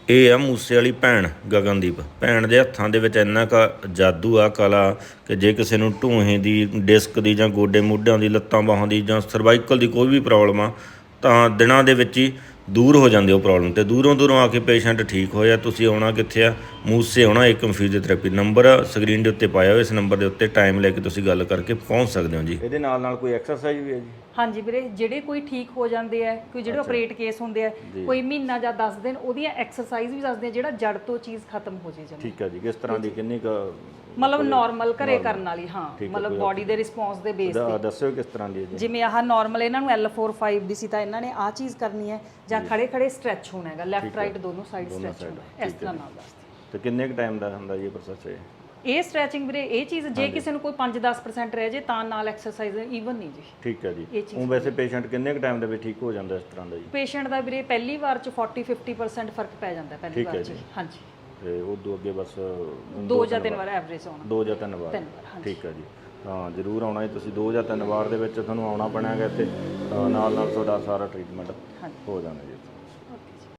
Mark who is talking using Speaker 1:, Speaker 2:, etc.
Speaker 1: ਇਹ ਆ ਮੂਸੇ ਵਾਲੀ ਭੈਣ ਗਗਨਦੀਪ। ਭੈਣ ਦੇ ਹੱਥਾਂ ਦੇ ਵਿੱਚ ਇੰਨਾ ਕੁ ਜਾਦੂ ਆ, ਕਲਾ, ਕਿ ਜੇ ਕਿਸੇ ਨੂੰ ਢੂਹੇ ਦੀ, ਡਿਸਕ ਦੀ, ਜਾਂ ਗੋਡੇ ਮੋਢਿਆਂ ਦੀ, ਲੱਤਾਂ ਬਾਹਾਂ ਦੀ, ਜਾਂ ਸਰਵਾਈਕਲ ਦੀ ਕੋਈ ਵੀ ਪ੍ਰੋਬਲਮ ਆ ਤਾਂ ਦਿਨਾਂ ਦੇ ਵਿੱਚ ਹੀ ਦੂਰ ਹੋ ਜਾਂਦੀ ਉਹ ਪ੍ਰੋਬਲਮ। ਅਤੇ ਦੂਰੋਂ ਆ ਕੇ ਪੇਸ਼ੈਂਟ ਠੀਕ ਹੋਇਆ। ਤੁਸੀਂ ਆਉਣਾ ਕਿੱਥੇ ਆ? ਮੂਸੇ ਆਉਣਾ। ਏਕਮ ਫਿਜ਼ੀਓਥੈਰੇਪੀ ਨੰਬਰ ਸਕਰੀਨ ਦੇ ਉੱਤੇ ਪਾਇਆ ਹੋਇਆ। ਇਸ ਨੰਬਰ ਦੇ ਉੱਤੇ ਟਾਈਮ ਲੈ ਕੇ ਤੁਸੀਂ ਗੱਲ ਕਰਕੇ ਪਹੁੰਚ ਸਕਦੇ ਹੋ ਜੀ। ਇਹਦੇ ਨਾਲ ਕੋਈ ਐਕਸਰਸਾਈਜ਼ ਵੀ ਹੈ ਜੀ?
Speaker 2: ਹਾਂਜੀ ਵੀਰੇ, ਜਿਹੜੇ ਕੋਈ ਠੀਕ ਹੋ ਜਾਂਦੇ ਆ, ਕੋਈ ਜਿਹੜੇ ਆਪਰੇਟ ਕੇਸ ਹੁੰਦੇ ਆ, ਕੋਈ ਮਹੀਨਾ ਜਾਂ 10 ਦਿਨ ਉਹਦੀਆਂ ਐਕਸਰਸਾਈਜ਼ ਵੀ ਦੱਸਦੇ ਆ, ਜਿਹੜਾ ਜੜ ਤੋਂ ਚੀਜ਼ ਖਤਮ ਹੋ ਜੇ ਜਮਾ।
Speaker 1: ਠੀਕ ਹੈ ਜੀ। ਕਿਸ ਤਰ੍ਹਾਂ ਦੀ, ਕਿੰਨੀ ਕੁ?
Speaker 2: ਮਤਲਬ ਨਾਰਮਲ ਘਰੇ ਕਰਨ ਵਾਲੀ। ਹਾਂ, ਮਤਲਬ ਬਾਡੀ ਦੇ ਰਿਸਪੌਂਸ ਦੇ ਬੇਸ ਤੇ।
Speaker 1: ਦੱਸਿਓ ਕਿਸ ਤਰ੍ਹਾਂ ਦੀ ਹੈ ਜੀ?
Speaker 2: ਜਿਵੇਂ ਆਹ ਨਾਰਮਲ ਇਹਨਾਂ ਨੂੰ L4-5 ਦੀ ਸੀ ਤਾਂ ਇਹਨਾਂ ਨੇ ਆਹ ਚੀਜ਼ ਕਰਨੀ ਹੈ, ਜਾਂ ਖੜੇ ਸਟ੍ਰੈਚ ਹੋਣਾ ਹੈਗਾ, ਲੈਫਟ ਰਾਈਟ ਦੋਨੋਂ ਸਾਈਡ ਸਟ੍ਰੈਚ ਹੋਣਾ, ਇਸ ਤਰ੍ਹਾਂ ਨਾਲ ਦੱਸਦੇ।
Speaker 1: ਤੇ ਕਿੰਨੇ ਕੁ ਟਾਈਮ ਦਾ ਹੁੰਦਾ ਜੀ ਇਹ ਪ੍ਰੋਸੈਸ?
Speaker 2: ਇਹ ਸਟ੍ਰੈਚਿੰਗ ਵੀਰੇ, ਇਹ ਚੀਜ਼ ਜੇ ਕਿਸੇ ਨੂੰ ਕੋਈ 5-10% ਰਹਿ ਜੇ ਤਾਂ ਨਾਲ ਐਕਸਰਸਾਈਜ਼ ਈਵਨ ਨਹੀਂ ਜੀ।
Speaker 1: ਠੀਕ ਹੈ ਜੀ। ਉਹ ਵੈਸੇ ਪੇਸ਼ੈਂਟ ਕਿੰਨੇ ਕੁ ਟਾਈਮ ਦੇ ਵਿੱਚ ਠੀਕ ਹੋ ਜਾਂਦਾ ਇਸ ਤਰ੍ਹਾਂ ਦਾ ਜੀ?
Speaker 2: ਪੇਸ਼ੈਂਟ ਦਾ ਵੀਰੇ ਪਹਿਲੀ ਵਾਰ 'ਚ 40-50% ਫਰਕ ਪੈ ਜਾਂਦਾ ਪਹਿਲੀ ਵਾਰ 'ਚ। ਹਾਂਜੀ।
Speaker 1: ਤੇ ਉਦੋਂ ਅੱਗੇ ਬਸ
Speaker 2: 2 ਜਾਂ 3 ਵਾਰ ਐਵਰੇਜ ਆਉਣਾ।
Speaker 1: 2 ਜਾਂ 3 ਵਾਰ। ਠੀਕ ਹੈ ਜੀ। ਹਾਂ, ਜ਼ਰੂਰ ਆਉਣਾ ਜੀ ਤੁਸੀਂ। 2 ਜਾਂ 3 ਵਾਰ ਦੇ ਵਿੱਚ ਤੁਹਾਨੂੰ ਆਉਣਾ ਪੈਣਾ ਹੈਗਾ ਇੱਥੇ, ਨਾਲ ਤੁਹਾਡਾ ਸਾਰਾ ਟ੍ਰੀਟਮੈਂਟ ਹੋ ਜਾਣਾ ਜੀ।